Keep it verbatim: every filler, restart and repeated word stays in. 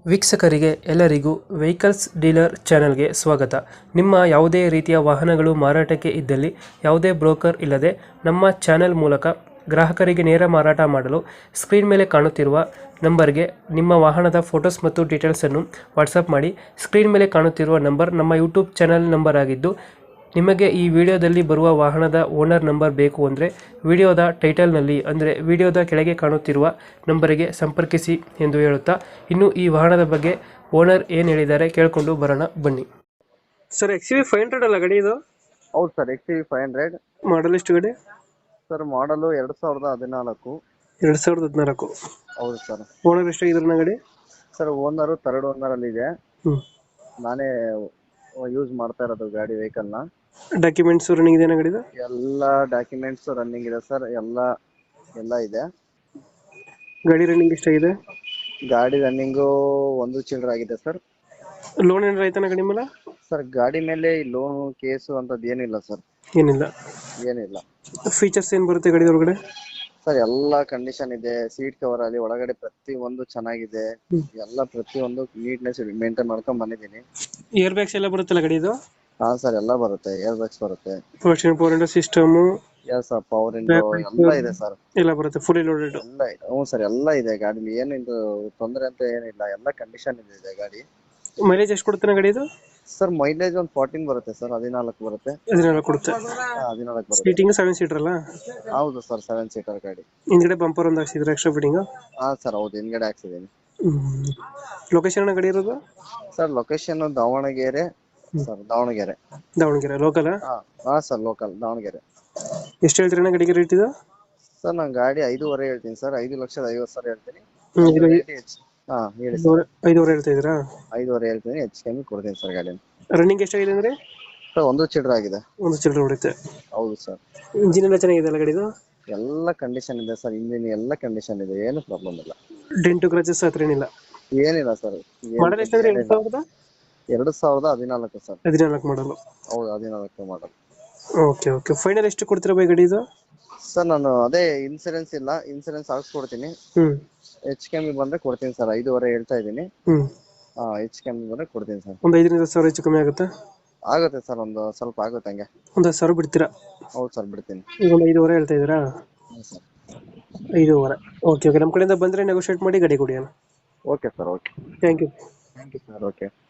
ವೀಕ್ಷಕರಿಗೆ ಎಲ್ಲರಿಗೂ vehicles dealer ಚಾನೆಲ್ಗೆ ಸ್ವಾಗತ. ನಿಮ್ಮ ಯಾವುದೇ ರೀತಿಯ ವಾಹನಗಳು ಮಾರಾಟಕ್ಕೆ ಇದ್ದಲ್ಲಿ ಯಾವುದೇ ಬ್ರೋಕರ್ ಇಲ್ಲದೆ ನಮ್ಮ ಚಾನೆಲ್ ಮೂಲಕ ಗ್ರಾಹಕರಿಗೆ ನೇರ ಮಾರಾಟ ಮಾಡಲು ಸ್ಕ್ರೀನ್ ಮೇಲೆ ಕಾಣುತ್ತಿರುವ ನಂಬರ್ಗೆ ನಿಮ್ಮ ವಾಹನದ ಫೋಟೋಸ್ ಮತ್ತು ಡೀಟೇಲ್ಸನ್ನು ವಾಟ್ಸಪ್ ಮಾಡಿ. ಸ್ಕ್ರೀನ್ ಮೇಲೆ ಕಾಣುತ್ತಿರುವ ನಂಬರ್ ನಮ್ಮ ಯೂಟ್ಯೂಬ್ ಚಾನೆಲ್ ನಂಬರ್ ಆಗಿದ್ದು, ನಿಮಗೆ ಈ ವಿಡಿಯೋದಲ್ಲಿ ಬರುವ ವಾಹನದ ಓನರ್ ನಂಬರ್ ಬೇಕು ಅಂದರೆ ವಿಡಿಯೋದ ಟೈಟಲ್ನಲ್ಲಿ ಅಂದರೆ ವಿಡಿಯೋದ ಕೆಳಗೆ ಕಾಣುತ್ತಿರುವ ನಂಬರಿಗೆ ಸಂಪರ್ಕಿಸಿ ಎಂದು ಹೇಳುತ್ತಾ, ಇನ್ನು ಈ ವಾಹನದ ಬಗ್ಗೆ ಓನರ್ ಏನು ಹೇಳಿದ್ದಾರೆ ಕೇಳಿಕೊಂಡು ಬರೋಣ ಬನ್ನಿ. Sir, X V five hundred ಅಲ್ಲ ಗಾಡಿ ಇದು? ಹೌದು sir, X V five hundred. Model ಎಷ್ಟು ಗಾಡಿ? ಸರ್ ಮಾಡಲು ಎರಡು ಸಾವಿರದ ಹದಿನಾಲ್ಕು. ಎರಡು ಸಾವಿರದ ಹದಿನಾಲ್ಕು. ಹೌದು ಸರ್. ಓನರ್ ಎಷ್ಟಾಗಿದ್ರು ಗಾಡಿ? ಸರ್ ಓನರು ಥರ್ಡ್ ಓನರ್ ಅಲ್ಲಿ ಇದೆ. ಹ್ಞೂ. ನಾನೇ ಯೂಸ್ ಮಾಡ್ತಾ ಇರೋದು ಗಾಡಿ ವೆಹಿಕಲ್ನ. ಡಾಕ್ಯುಮೆಂಟ್ಸ್ ರನ್ನಿಂಗ್ ಇದೆಯಾ ಗಾಡಿದು? ಎಲ್ಲ ಡಾಕ್ಯುಮೆಂಟ್ಸ್ ರನ್ನಿಂಗ್ ಇದೆ ಸರ್, ಎಲ್ಲ ಎಲ್ಲ ಇದೆ. ಗಾಡಿ ರನ್ನಿಂಗ್ ಎಷ್ಟಾಗಿದೆ? ಗಾಡಿ ರನ್ನಿಂಗು ಒಂದು ಚಿಲ್ಲರೆ ಆಗಿದೆ ಸರ್. ಲೋನ್ ಏನಾರ ಆಯ್ತಾನ ಗಾಡಿ ಮೇಲೆ? ಸರ್ ಗಾಡಿ ಮೇಲೆ ಲೋನು ಕೇಸು ಅಂತದ್ದು ಏನಿಲ್ಲ ಸರ್. ಏನಿಲ್ಲ. ಏನಿಲ್ಲ. ಫೀಚರ್ಸ್ ಏನು ಬರುತ್ತೆ ಗಾಡಿ ಒಳಗಡೆ? ಸರ್ ಎಲ್ಲ ಕಂಡೀಷನ್ ಇದೆ. ಸೀಟ್ ಕವರ್ ಅಲ್ಲಿ ಒಳಗಡೆ ಪ್ರತಿ ಒಂದು ಚೆನ್ನಾಗಿದೆ. ಎಲ್ಲ ಪ್ರತಿ ಒಂದು ನೀಟ್ನೆಸ್ ಮೇಂಟೈನ್ ಮಾಡ್ಕೊಂಡ್ ಬಂದಿದ್ದೀನಿ. ಏರ್ ಬ್ಯಾಗ್ಸ್ ಎಲ್ಲ ಬರುತ್ತಲ್ಲ ಗಾಡಿ ಇದು? ಹಾ ಸರ್, ಎಲ್ಲ ಬರುತ್ತೆ. ಏರ್ ಬ್ಯಾಗ್ಸ್ ಬರುತ್ತೆ. Power window system, yes sir, power window ಎಲ್ಲ ಇದೆ ಸರ್. ಎಲ್ಲ ಬರುತ್ತೆ, ಫುಲ್ ಲೋಡೆಡ್. ಎಲ್ಲ ಇದೆ. ಹ್ಞೂ ಸರ್, ಎಲ್ಲ ಇದೆ ಗಾಡಿಲಿ. ಏನಿದು ತೊಂದರೆ ಅಂತ ಏನಿಲ್ಲ, ಎಲ್ಲ ಕಂಡೀಷನ್ ಇದೆ ಗಾಡಿ. ಮೈಲೇಜ್ ಎಷ್ಟು ಕೊಡ್ತಾನೆ ಗಾಡಿ ಇದು? ಸರ್ ಮೈಲೇಜ್ ಒಂದು ಫೋರ್ಟೀನ್ ಬರುತ್ತೆ ಸರ್, ಹದಿನಾಲ್ಕು ಬರುತ್ತೆ. ಹದಿನಾಲ್ಕು ಕೊಡುತ್ತೆ. ಹದಿನಾಲ್ಕು ಬರುತ್ತೆ. ಸೀಟಿಂಗ್ ಸೆವೆನ್ ಸೀಟರ್ ಅಲ್ಲ? ಹೌದು ಸರ್, ಸೆವೆನ್ ಸೀಟರ್ ಗಾಡಿ. ಹಿಂದ್ಗಡೆ ಬಂಪರ್ ಒಂದು ಹಾಕ್ಸಿದ್ರೆ ಎಕ್ಸ್ಟ್ರಾ ಫಿಟ್ಟಿಂಗ್? ಹಾ ಸರ್, ಹೌದು, ಹಿಂದ್ಗಡೆ ಹಾಕ್ಸಿದ್ದೀನಿ. ಲೊಕೇಶನ್ ಗಾಡಿ ಇರೋದು? Sir location Davanagere sir, Davanagere. Davanagere local? ಹಾ ಸರ್, ಲೋಕಲ್ ದಾವಣಗೆರೆ. ಎಷ್ಟು ಹೇಳ್ತೀರಣ್ಣ ಗಾಡಿಗೆ ರೇಟ್ ಇದು? ಸರ್ ನಾನು ಗಾಡಿ ಐದೂವರೆ ಹೇಳ್ತೀನಿ ಸರ್, ಐದು ಲಕ್ಷದ ಐವತ್ತು ಸಾವಿರ ಹೇಳ್ತೀನಿ. ಹಾ ಹೇಳಿ ಸರ್. ಐದೂವರೆ ಹೇಳ್ತಾ ಇದ್ದೀರಾ? ಐದೂವರೆ ಹೇಳ್ತೀನಿ, ಹೆಚ್ಚು ಕಮ್ಮಿ ಕೊಡ್ತೀನಿ ಸರ್. ಗಾಡಿ ರನ್ನಿಂಗ್ ಎಷ್ಟಾಗಿದೆ ಅಂದ್ರೆ? ಸರ್ ಒಂದು ಚಿಲ್ಲರೆ ಆಗಿದೆ. ಒಂದು ಚಿಲ್ಲರೆ ಹೊಡುತ್ತೆ. ಹೌದು ಸರ್. ಇಂಜಿನ್ ಎಲ್ಲ ಚೆನ್ನಾಗಿದೆ ಅಲ್ಲ ಗಾಡಿದು? ಎಲ್ಲ ಕಂಡೀಷನ್ ಇದೆ ಸರ್, ಇಂಜಿನ್ ಎಲ್ಲ ಕಂಡೀಷನ್ ಇದೆ, ಏನು ಪ್ರಾಬ್ಲಮ್ ಇಲ್ಲ. ಡೆಂಟು ಕ್ರಚಸ್ ಹತ್ರ ಏನಿಲ್ಲ? ಏನಿಲ್ಲ ಸರ್. ಮಾಡಲ್ ಎಷ್ಟಾದ್ರೆ? ಎರಡು ಸಾವಿರದ ಎರಡು ಸಾವಿರದ ಹದಿನಾಲ್ಕು ಸರ್. ಹದಿನಾಲ್ಕು ಮಾಡಲು? ಹೌದು, ಹದಿನಾಲ್ಕು ಮಾಡಲ್. Okay okay. ಫೈನಲ್ ಎಷ್ಟು ಕೊಡ್ತೀರಾ ಬೈ ಗಾಡಿ ಇದು? ಸರ್ ನಾನು ಅದೇ ಇನ್ಸೂರೆನ್ಸ್ ಇಲ್ಲ, ಇನ್ಸೂರೆನ್ಸ್ ಹಾಕ್ಸ್ಕೊಡ್ತೀನಿ. ಹ್ಮ್. ಹೆಚ್ಚು ಕಮ್ಮಿ ಬಂದ್ರೆ ಕೊಡ್ತೀನಿ ಸರ್. ಐದೂವರೆ ಹೇಳ್ತಾ ಇದ್ದೀನಿ. ಹ್ಮ್. ಹಾ, ಹೆಚ್ಚು ಕಮ್ಮಿ ಬಂದ್ರೆ ಕೊಡ್ತೀನಿ ಸರ್. ಒಂದು ಐದರಿಂದ ಸಾವಿರ ಹೆಚ್ಚು ಕಮ್ಮಿ ಆಗುತ್ತಾ? ಆಗುತ್ತೆ ಸರ್, ಒಂದು ಸ್ವಲ್ಪ ಆಗುತ್ತೆ ಹಂಗೆ. ಒಂದು ಹತ್ತು ಸಾವಿರ ಬಿಡ್ತೀರಾ? ಹೌದು ಸರ್, ಬಿಡ್ತೀನಿ. ಈಗ ಒಂದು ಐದೂವರೆ ಹೇಳ್ತಾ ಇದ್ದೀರಾ? ಹ್ಞೂ ಸರ್. ಐದೂವರೆ. Okay okay. ನಮ್ಮ ಕಡೆಯಿಂದ ಬಂದರೆ ನೆಗೋಷಿಯೇಟ್ ಮಾಡಿ ಗಾಡಿ ಕೊಡಿ ಅಣ್ಣ. Okay sir, okay. Thank you. Thank you sir, okay.